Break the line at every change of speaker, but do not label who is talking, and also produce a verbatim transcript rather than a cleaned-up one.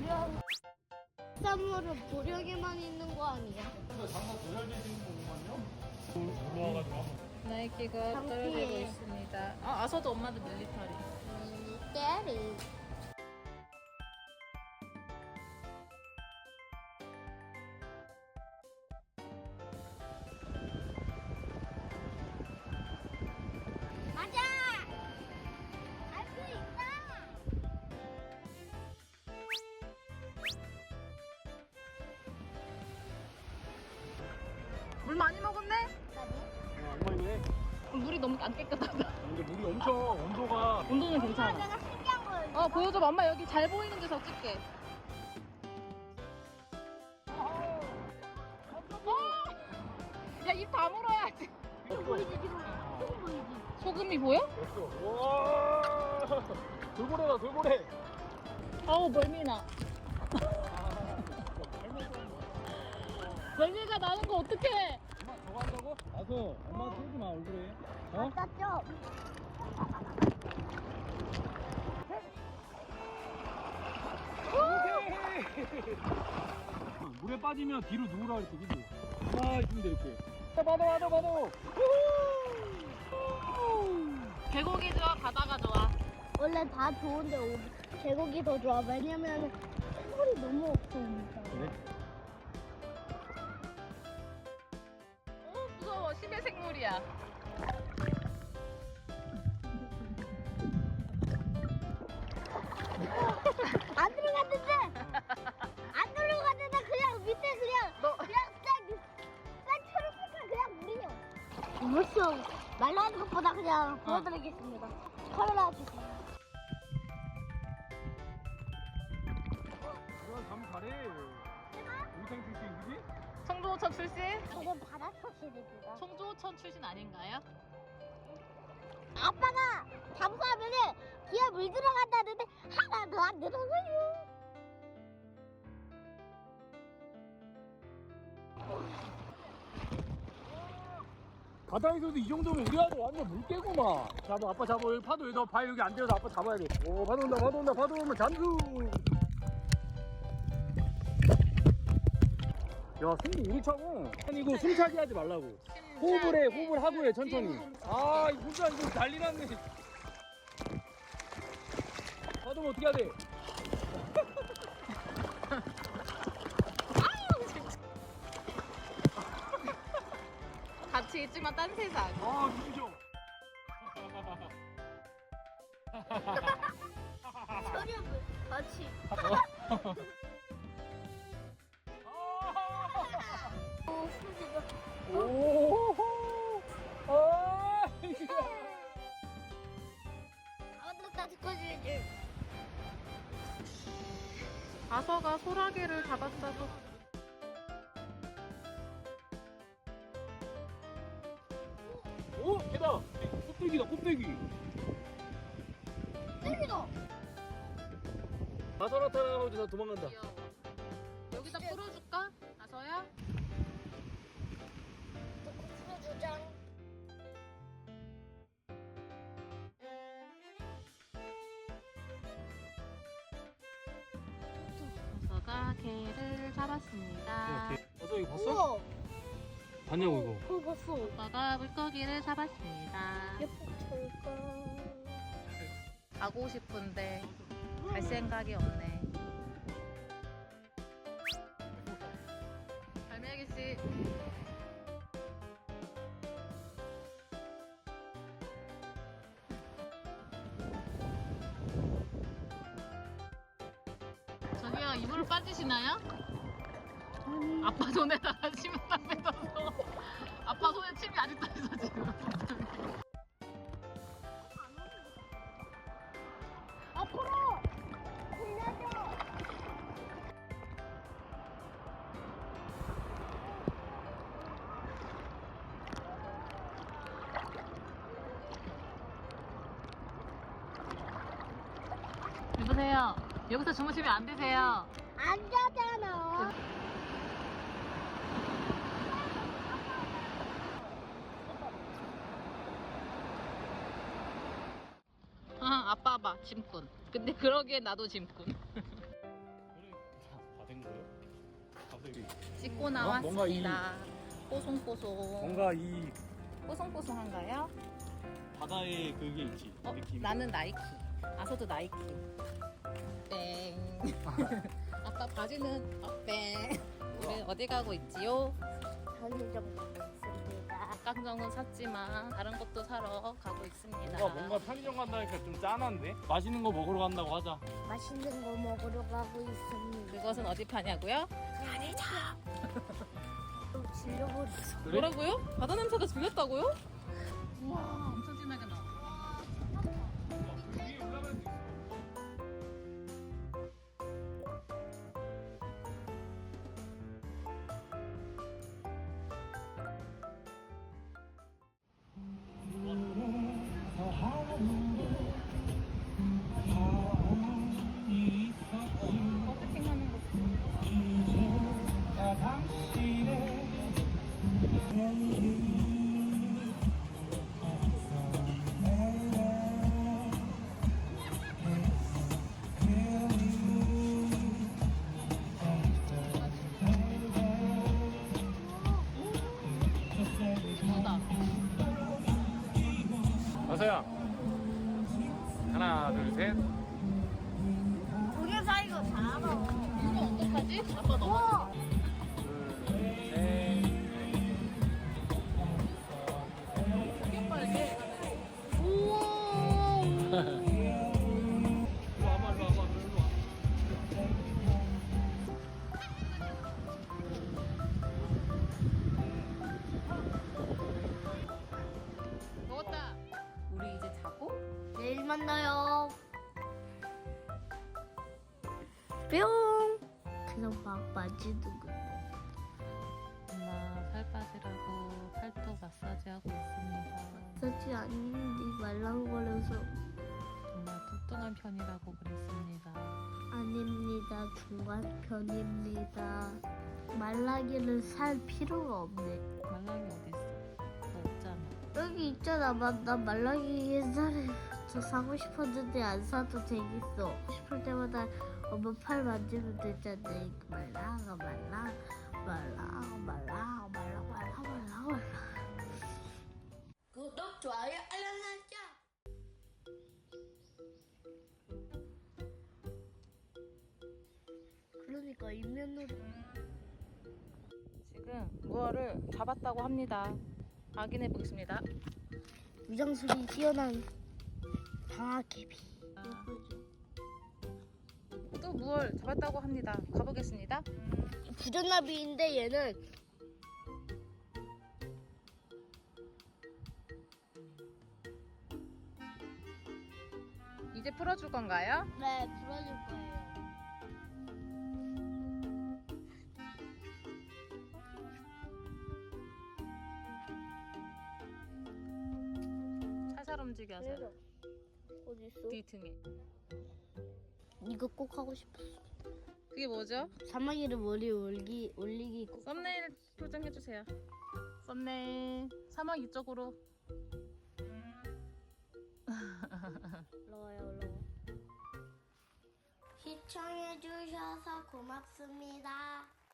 보령 쌈물은 보령에만 있는 거 아니야?
근데 장난 도열돼 있는 거구만요? 올라와가지고 한번.
나이키가
장피해.
떨어지고 있습니다. 아, 아서도 엄마도 밀리터리.
때리. 맞아. 알 수 있다.
물 많이 먹었네?
어, 엉망이네.
물이 너무 안 깨끗하다.
근데 물이 엄청 온도가.
온도는
엄마,
괜찮아.
내가 신기한 걸.
어, 보여줘. 엄마 여기 잘 보이는 데서 찍게. 어! 야, 입 다물어야지.
보이지 지금 소금 보이지?
소금이 보여?
됐어. 와. 돌고래다 돌고래.
어우, 멀미나. 멀미가 나는 거 어떡해?
엄마 저거 한다고? 아서 엄마 쏘지 마 얼굴에. 어?
맞죠?
오케이. 물에 빠지면 뒤로 누우라 그랬지, 그지? 아, 있으면 돼, 이렇게. 받아, 받아, 받아.
계곡이 좋아, 바다가 좋아.
원래 다 좋은데 오- 계곡이 더 좋아. 왜냐면 생물이 너무 없으니까.
그래?
어, 무서워. 심해 생물이야.
안 들어갔는데 안 들어갔는데 그냥 밑에 그냥
너-
그냥 싹, 싹 초록색깔 그냥 물이요. 물속 말라는 것보다 그냥 보여드리겠습니다. 카메라 주세요.
그건 감 잘해. 우상 출신, 그지?
청조호천 출신?
저는 바다 소시입니다.
청조호천 출신 아닌가요?
아빠가 잠수하면은 뒤에 물 들어간다는데 하나 더 안 들어가요.
바다에서도 이 정도면 우리 아들 완전 물개구만. 잡아, 아빠 잡아. 여기 파도 여기 발 여기 안 대서 아빠 잡아야 돼. 오, 파도 온다, 파도 온다, 파도 오면 잠수. 야, 승기 우리 차고. 아니, 이거 숨차게 하지 말라고. 호흡을 해, 호흡을 하고 해, 천천히. 아, 이 혼자 이거 난리 났네. 파도 오면 어떻게 해야 돼?
같이 있지만 딴 세상.
아, 눈부셔.
소리를 같이. 오, 수지가.
오, 아,
아무도까지 꺼주지.
아서가 소라게를 잡았어도.
오, 개다. 곱빼기다, 곱빼기.
때리다.
아서 나타나고 다 도망간다.
귀여워. 여기다 풀어줄까? 아서야?
풀어주자.
아서가 개를 잡았습니다.
어서 이거 봤어?
우와.
봤냐고 이거.
그거 봤어.
아빠가 물고기를 잡았습니다.
예쁘니까.
가고 싶은데 갈 생각이 없네. 갈매기 씨. 저기요, 이불 빠지시나요? 아빠 손에다가 침을 딱 뱉어서 아빠 손에 침이 아직도 있어 지금.
앞으로 돌려줘.
여보세요. 여기서 주무시면 안 되세요.
안 자잖아.
아, 아빠 봐, 짐꾼. 근데 그러기엔 나도 짐꾼.
그러니까. 그치?
씻고
뭔가 이-
나왔습니다. 뽀송뽀송.
뭔가 이
뽀송뽀송한가요?
바다에 그게 있지.
어,
느낌.
나는 나이키. 아서도 나이키. 땡. 아빠 바지는 어, 땡. 우리 어디 가고 있지요?
편의점 가고 있습니다.
닭강정은 샀지만 다른 것도 사러 가고 있습니다.
뭔가 뭔가 편의점 간다니까 좀 짠한데? 맛있는 거 먹으러 간다고 하자.
맛있는 거 먹으러 가고 있습니다.
그것은 어디 파냐고요?
또 질려버렸어.
그래?
뭐라고요? 바다 냄새가 들렸다고요? 우와, 엄청 진하게 나.
위에 올라갈 수 있어.
버스킹하는 거. 뭐다?
어서야. 하나, 둘, 셋.
동영상 이거 다 알아.
이거 어떡하지? 아빠 너무
우와.
둘, 셋.
크게 빨개.
우와.
일로 와봐, 일로 와봐, 일로 와.
먹었다. 우리 이제 자고?
내일 만나요. 뿅. 그냥 막 만지는 거.
엄마 살 빠지라고 팔뚝 마사지 하고 있습니다.
쓰지 않는데 말랑거려서.
정말 뚱뚱한 편이라고 그랬습니다.
아닙니다. 중간 편입니다. 말라기를 살 필요가 없네.
말랑이 어디 있어? 너 없잖아.
여기 있잖아. 나, 나 말라기 옛날에 저 사고 싶었는데 안 사도 되겠어. 싶을 때마다 엄마 팔 만지면 되잖아. 이거 말라가 말라 말라 말라 말라 말라 말라 말라. 구독 좋아요 알람 설정. 그러니까 인면으로
지금 무어를 잡았다고 합니다. 확인해 보겠습니다.
위장술이 뛰어난 방아개비. 예쁘죠?
또 무얼 잡았다고 합니다. 가보겠습니다.
부전나비인데 얘는
이제 풀어줄 건가요?
네 불어줄 거예요.
살살 움직여서
어디 있어?
뒤 등에.
이거 꼭 하고 싶었어.
그게 뭐죠?
사마귀를 머리 올기 올리기 꼭.
썸네일 표정해주세요. 썸네일 사막 이쪽으로.
올라와요 올라와. 시청해 주셔서 고맙습니다.